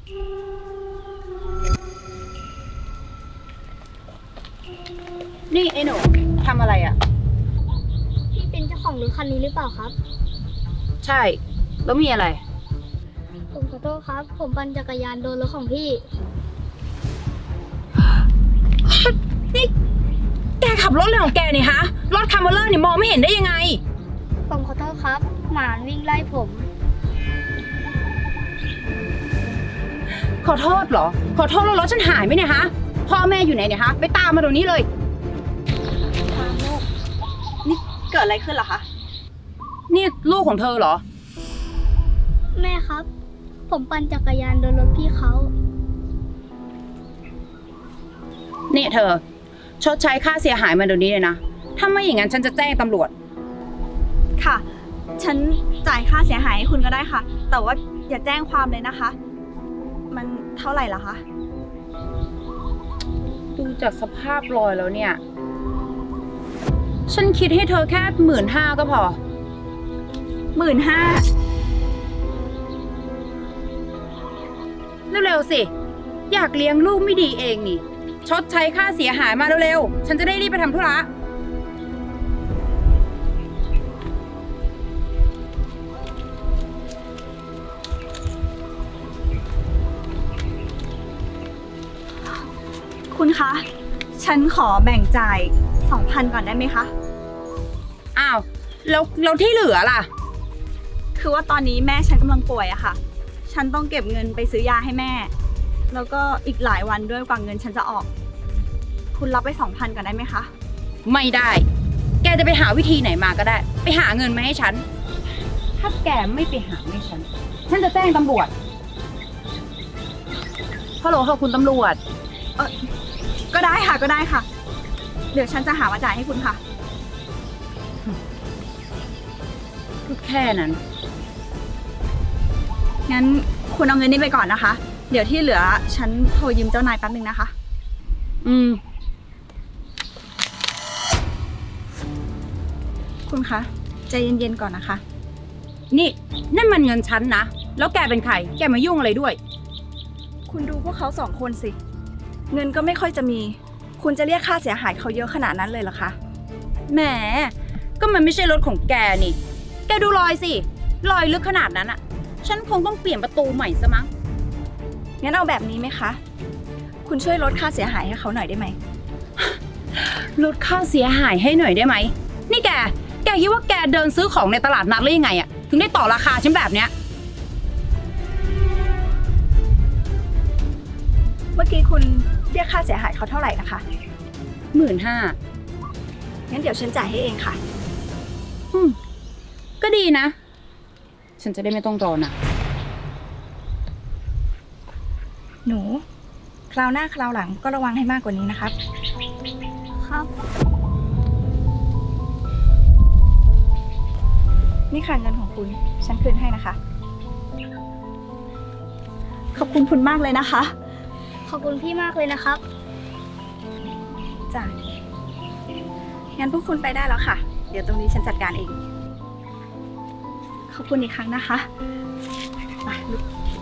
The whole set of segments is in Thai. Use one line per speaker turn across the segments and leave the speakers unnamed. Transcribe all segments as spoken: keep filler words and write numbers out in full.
นี่ไอ้หนูทำอะไรอ่ะ
พี่เป็นเจ้าของรถคันนี้หรือเปล่าครับ
ใช่แล้วมีอะไร
ผมขอโทษครับผมปั่นจักรยานโดนรถของพี่
นี่แกขับรถอะไรของแกนี่ฮะรถคาร์มอเลอร์นี่มองไม่เห็นได้ยังไง
ผมขอโทษครับหมาวิ่งไล่ผม
ขอโทษเหรอขอโทษแล้วรถฉันหายไหมเนี่ยฮะพ่อแม่อยู่ไหนเนี่ยฮะไปตามมาตรงนี้เลย
พาลูกนี่เกิดอะไรขึ้นเหรอคะ
นี่ลูกของเธอเหรอ
แม่ครับผมปั่นจักรยานโดนรถพี่เขา
เนี่ยเธอชดใช้ค่าเสียหายมาเดี๋ยวนี้เลยนะถ้าไม่อย่างนั้นฉันจะแจ้งตำรวจ
ค่ะฉันจ่ายค่าเสียหายให้คุณก็ได้ค่ะแต่ว่าอย่าแจ้งความเลยนะคะมันเท่าไหร่ล่ะคะ
ดูจากสภาพรอยแล้วเนี่ยฉันคิดให้เธอแค่หมื่นห้าก็พอ
หมื่นห้า
เร็วๆสิอยากเลี้ยงลูกไม่ดีเองนี่ชดใช้ค่าเสียหายมาเร็วๆฉันจะได้รีบไปทำธุระ
คุณคะฉันขอแบ่งจ่าย สองพัน ก่อนได้ไหมคะ
อ้าวแล้วแล้วที่เหลือล่ะ
คือว่าตอนนี้แม่ฉันกำลังป่วยอะค่ะฉันต้องเก็บเงินไปซื้อยาให้แม่แล้วก็อีกหลายวันด้วยกว่าเงินฉันจะออกคุณรับไป สองพัน ก่อนได้ไหมคะ
ไม่ได้แกจะไปหาวิธีไหนมาก็ได้ไปหาเงินมาให้ฉันถ้าแกไม่ไปหาให้ฉันฉันจะแจ้งตำรวจฮัลโหลค่ะคุณตำรวจ
เออก็ได้ค่ะก็ได้ค่ะเดี๋ยวฉันจะหามาจ่ายให้คุณค่ะ
ก็แค่นั้น
งั้นคุณเอาเงินนี้ไปก่อนนะคะเดี๋ยวที่เหลือฉันโทรยืมเจ้านายแป๊บนึงนะคะ
อืม
คุณคะใจเย็นๆก่อนนะคะ
นี่นั่นมันเงินฉันนะแล้วแกเป็นใครแกมายุ่งอะไรด้วย
คุณดูพวกเขาสองคนสิเงินก็ไม่ค่อยจะมีคุณจะเรียกค่าเสียหายเขาเยอะขนาดนั้นเลยเหรอคะ
แหมก็มันไม่ใช่รถของแกนี่แกดูรอยสิรอยลึกขนาดนั้นอะฉันคงต้องเปลี่ยนประตูใหม่ซะมั้ง
งั้นเอาแบบนี้ไหมคะคุณช่วยลดค่าเสียหายให้เขาหน่อยได้ไหม
ลดค่าเสียหายให้หน่อยได้ไหมนี่แกแกคิดว่าแกเดินซื้อของในตลาดนัดหรือยังไงอะถึงได้ต่อราคาฉันแบบเนี้ย
เมื่อกี้คุณเรียกค่าเสียหายเขาเท่าไหร่นะคะ
หมื่นห้า
งั้นเดี๋ยวฉันจ่ายให้เองค่ะ
อืมก็ดีนะฉันจะได้ไม่ต้องรอนะ
หนูคราวหน้าคราวหลังก็ระวังให้มากกว่านี้นะครับ
ครับ
นี่ค่ะเงินของคุณฉันคืนให้นะคะขอบคุณคุณมากเลยนะคะ
ขอบคุณพี่มากเลยนะครับ
จ้ะงั้นพวกคุณไปได้แล้วค่ะเดี๋ยวตรงนี้ฉันจัดการเองขอบคุณอีกครั้งนะคะไปลุก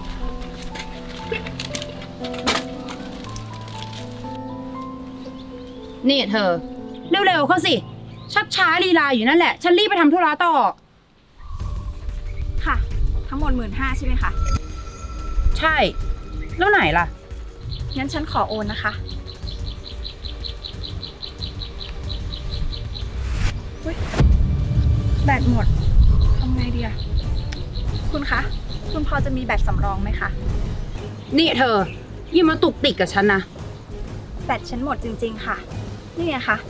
นี่เธอเร็วๆเข้าสิชักช้าลีลาอยู่นั่นแหละฉันรีบไปทำธุระต่อ
ค่ะทั้งหมดหมื่นห้าใช่ไหมคะ
ใช่แล้วไหนล่ะ
งั้นฉันขอโอนนะคะแบตหมดทำไงดีอะคุณคะคุณพอจะมีแบตสำรองไหมคะ
นี่เธออย่ามาตุกติกกับฉันนะ
แบตฉันหมดจริงๆค่ะนี่ไงคะ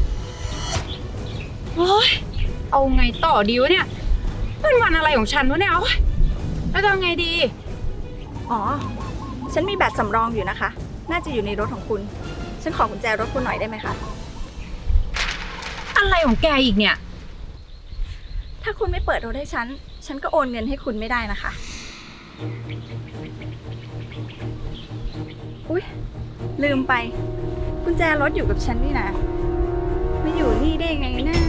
โอ๊ยเอาไงต่อดีวะเนี่ยเป็นวันอะไรของฉันวะเนี่ยโอ๊ยแล้วจะเอาไงดี
อ๋อฉันมีแบตสำรองอยู่นะคะน่าจะอยู่ในรถของคุณฉันขอกุญแจรถคุณหน่อยได้ไหมคะ
อะไรของแกอีกเนี่ย
ถ้าคุณไม่เปิดรถให้ฉันฉันก็โอนเงินให้คุณไม่ได้นะคะอุ๊ยลืมไปกุญแจรถอยู่กับฉันนี่นะไม่อยู่นี่ได้ไงนะ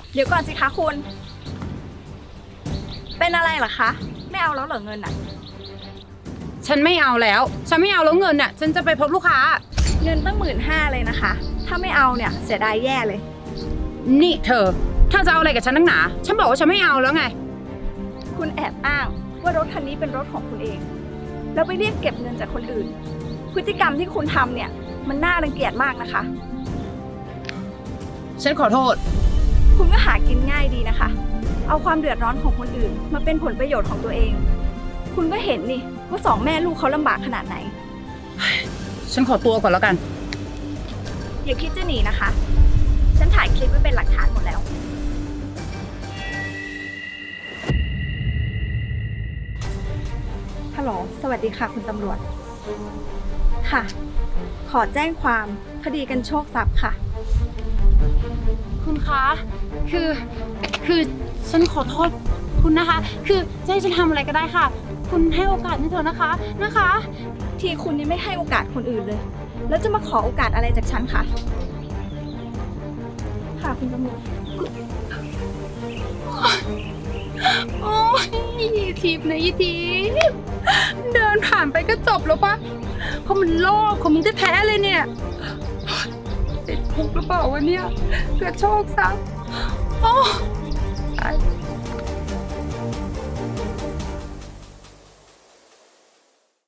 เดี๋ยวก่อนสิคะคุณ เป็นอะไรเหรอคะ ไม่เอาแล้วเหรอเงินอะ
ฉันไม่เอาแล้ว ฉันไม่เอาแล้วเงินน่ะ ฉันจะไปพบลูกค้า
เงินตั้งหมื่นห้าเลยนะคะ ถ้าไม่เอาเนี่ยเสียดายแย่เลย
นี่เธอ ถ้าจะเอาอะไรกับฉันนักหนา ฉันบอกว่าฉันไม่เอาแล้วไง
คุณแอบอ้างว่ารถคันนี้เป็นรถของคุณเอง แล้วไปเรียกเก็บเงินจากคนอื่น พฤติกรรมที่คุณทำเนี่ยมันน่ารังเกียจมากนะคะ
ฉันขอโทษ
คุณก็หากินง่ายดีนะคะ เอาความเดือดร้อนของคนอื่น มาเป็นผลประโยชน์ของตัวเอง คุณก็เห็นนี่ว่าสองแม่ลูกเขาลำบากขนาดไหน
ฉันขอตัวก่อนแล้วกัน
อย่าคิดจะหนีนะคะ ฉันถ่ายคลิปไว้เป็นหลักฐานหมดแล้ว ฮัลโหล สวัสดีค่ะคุณตำรวจ ค่ะ ขอแจ้งความคดีกันโชคทรัพย์ค่ะ
คุณคะ คือ คือฉันขอโทษคุณนะคะ คือจะให้ฉันทำอะไรก็ได้ค่ะ คุณให้โอกาสฉันเถอะนะคะ นะคะ
ที่คุณยังไม่ให้โอกาสคนอื่นเลย แล้วจะมาขอโอกาสอะไรจากฉันคะ ค่ะคุณตำรวจ
โอ้ยทิพย์นะยี่ทิพย์เดินผ่านไปก็จบแล้วปะเพราะมันโลกของมึงแท้ๆเลยเนี่ยติดคุกหรือเปล่าวะเนี่ยเกิดโชคทรัพย์โอ้ตาย